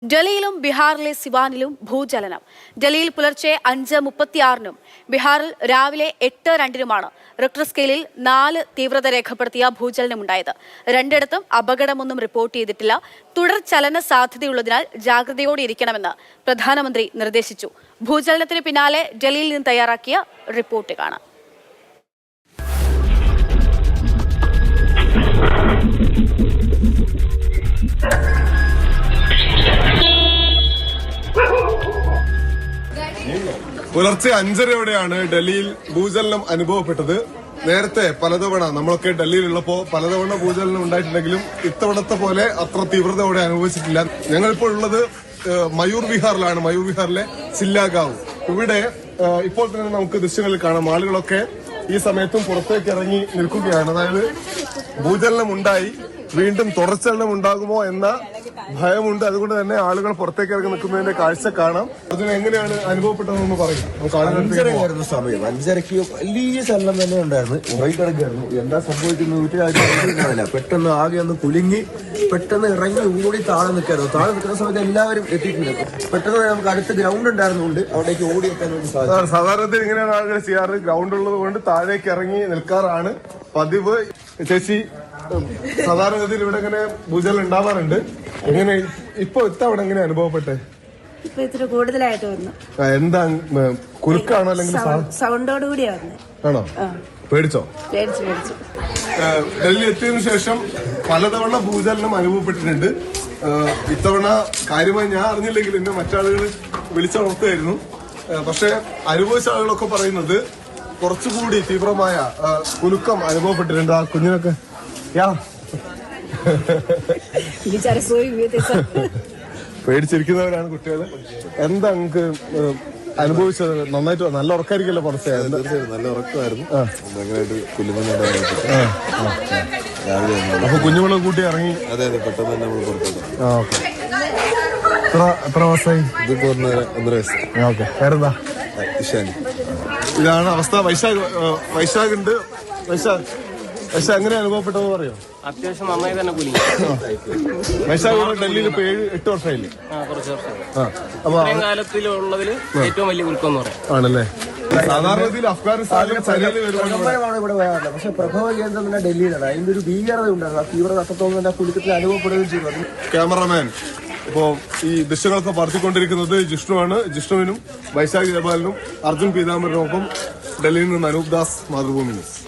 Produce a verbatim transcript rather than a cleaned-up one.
ഡൽഹിയിലും ബീഹാറിലെ സിവാനിലും ഭൂചലനം. ഡൽഹിയിൽ പുലർച്ചെ അഞ്ച് മുപ്പത്തിയാറിനും ബീഹാറിൽ രാവിലെ എട്ട് രണ്ടിനുമാണ് റിക്ടർ സ്കെയിലിൽ നാല് തീവ്രത രേഖപ്പെടുത്തിയ ഭൂചലനമുണ്ടായത്. രണ്ടിടത്തും അപകടമൊന്നും റിപ്പോർട്ട് ചെയ്തിട്ടില്ല. തുടർ ചലന സാധ്യതയുള്ളതിനാൽ ജാഗ്രതയോടെ ഇരിക്കണമെന്ന് പ്രധാനമന്ത്രി നിർദ്ദേശിച്ചു. ഭൂചലനത്തിന് പിന്നാലെ ഡൽഹിയിൽ നിന്ന് തയ്യാറാക്കിയ റിപ്പോർട്ട് കാണാം. പുലർച്ചെ അഞ്ചരയോടെയാണ് ഡൽഹിയിൽ ഭൂചലനം അനുഭവപ്പെട്ടത്. നേരത്തെ പലതവണ നമ്മളൊക്കെ ഡൽഹിയിലുള്ളപ്പോ പലതവണ ഭൂചലനം ഉണ്ടായിട്ടുണ്ടെങ്കിലും ഇത്തവണത്തെ പോലെ അത്ര തീവ്രതയോടെ അനുഭവിച്ചിട്ടില്ല. ഞങ്ങളിപ്പോൾ ഉള്ളത് മയൂർ വിഹാറിലാണ്. മയൂർ വിഹാറിലെ സില്ലാഗാവ്. ഇവിടെ ഇപ്പോൾ തന്നെ നമുക്ക് ദൃശ്യങ്ങളിൽ കാണാം. ആളുകളൊക്കെ ഈ സമയത്തും പുറത്തേക്ക് ഇറങ്ങി നിൽക്കുകയാണ്. അതായത് ഭൂചലനം ഉണ്ടായി, വീണ്ടും തുടർച്ചലനം ഉണ്ടാകുമോ എന്ന ഭയമുണ്ട്. അതുകൊണ്ട് തന്നെ ആളുകൾ പുറത്തേക്ക് ഇറങ്ങി നിൽക്കുന്നതിന്റെ കാഴ്ച കാണാം. അതിന് എങ്ങനെയാണ് അനുഭവപ്പെട്ടതെന്ന് പറയും. അഞ്ചരയായിരുന്നു സമയം. അഞ്ചരയ്ക്ക് വലിയ ചലനം തന്നെ ഉണ്ടായിരുന്നു. ഉറങ്ങിക്കിടക്കായിരുന്നു. എന്താ സംഭവിക്കുന്നത് വീട്ടിലായിട്ടില്ല. പെട്ടെന്ന് ആകെ ഒന്ന് കുലുങ്ങി പെട്ടെന്ന് ഇറങ്ങി ഓടി താഴെ നിൽക്കായിരുന്നു. താഴെ നിൽക്കുന്ന സമയത്ത് എല്ലാവരും എത്തിയിട്ടുണ്ട്. പെട്ടെന്ന് നമുക്ക് അടുത്ത ഗ്രൗണ്ട് ഉണ്ടായിരുന്നുകൊണ്ട് അവിടേക്ക് ഓടി എത്താൻ വേണ്ടി സാധിച്ചു. സാധാരണത്തിൽ ഇങ്ങനെയാണ് ആളുകൾ ചെയ്യാറ്. ഗ്രൗണ്ട് ഉള്ളത് കൊണ്ട് താഴേക്ക് ഇറങ്ങി നിൽക്കാറാണ് പതിവ്. ചേച്ചി, സാധാരണഗതിയിൽ ഇവിടെ ഇങ്ങനെ ഭൂചലനം ഉണ്ടാവാറുണ്ട്. എങ്ങനെ ഇപ്പൊ ഇത്തവണ എങ്ങനെ അനുഭവപ്പെട്ടെ? ഇപ്പൊ ഇത്തിരി കൂടുതലായിട്ട് വന്നു. എന്താ, കുലുക്കാണോ അല്ലെങ്കിൽ സൗണ്ടോട് കൂടിയാ വന്നത്? ആണോ? പേടിച്ചോ? പേടിച്ചു പേടിച്ചു ഡൽഹി എത്തിയതിനു ശേഷം പലതവണ ഭൂചലനം അനുഭവപ്പെട്ടിട്ടുണ്ട്. ഇത്തവണ കാര്യമായി ഞാൻ അറിഞ്ഞില്ലെങ്കിൽ എന്നെ മറ്റാളുകൾ വിളിച്ചുണർത്തുമായിരുന്നു. പക്ഷെ അനുഭവിച്ച ആളുകളൊക്കെ പറയുന്നത് കുറച്ചുകൂടി തീവ്രമായ കുലുക്കം അനുഭവപ്പെട്ടിട്ടുണ്ട്. ആ കുഞ്ഞിനൊക്കെ യാ പേടിച്ചിരിക്കുന്നവരാണ് കുട്ടികൾ. എന്താ നിങ്ങൾക്ക് അനുഭവിച്ചത്? നന്നായിട്ട് നല്ല ഉറക്കായിരിക്കല്ലോ പുറത്തെ? നല്ല ഉറക്കമായിരുന്നു. അപ്പൊ കുഞ്ഞുങ്ങളെ കൂട്ടി ഇറങ്ങി? അതെ അതെ, പെട്ടെന്ന് തന്നെ നമ്മൾ പുറത്തോട്ട്. എത്ര എത്ര മാസമായി? ഇതിപ്പോ ഒന്നര വയസ്സ്. ഓക്കെ. വേറെന്താ? ഇഷാനി. ഇതാണ് അവസ്ഥ. വൈശാഖ് വൈശാഖ് ഉണ്ട്. വൈശാഖ് വൈശാഖ് എങ്ങനെ അനുഭവപ്പെട്ടതെന്ന് പറയോ? അത്യാവശ്യം നന്നായി തന്നെ കുലുങ്ങി. വൈശാഖ് ഡൽഹിയിൽ ഇപ്പൊ ഏഴ് എട്ട് വർഷമായില്ലേ? കുറച്ച് വർഷം. കാലത്തിലുള്ളതിൽ ഏറ്റവും വലിയ കുലുക്കം എന്ന് പറയാം. ആണല്ലേ? സാധാരണ രീതിയിൽ അഫ്ഗാനിസ്ഥാനിലും ചൈനയിൽ വരുമ്പോഴാണ് ഇവിടെ വരാറില്ല. പക്ഷെ പ്രഭവ കേന്ദ്രം തന്നെ ഡൽഹിയിലാണ്. അതിന്റെ ഒരു ഭീകരത ഉണ്ടായിരുന്നു. ആ തീവ്രത അത്രത്തോളം തന്നെ കുലുക്കത്തിൽ അനുഭവപ്പെടുകയും ചെയ്തു. ക്യാമറമാൻ ഇപ്പോ ഈ ദൃശ്യങ്ങളൊക്കെ പറത്തിക്കൊണ്ടിരിക്കുന്നത് ജിഷ്ണുവാണ്. ജിഷ്ണുവിനും വൈശാഖ് ജബാലിനും അർജുൻ പീതാംബരനുമൊപ്പം ഡൽഹിയിൽ നിന്ന് അനൂപ് ദാസ്, മാതൃഭൂമി ന്യൂസ്.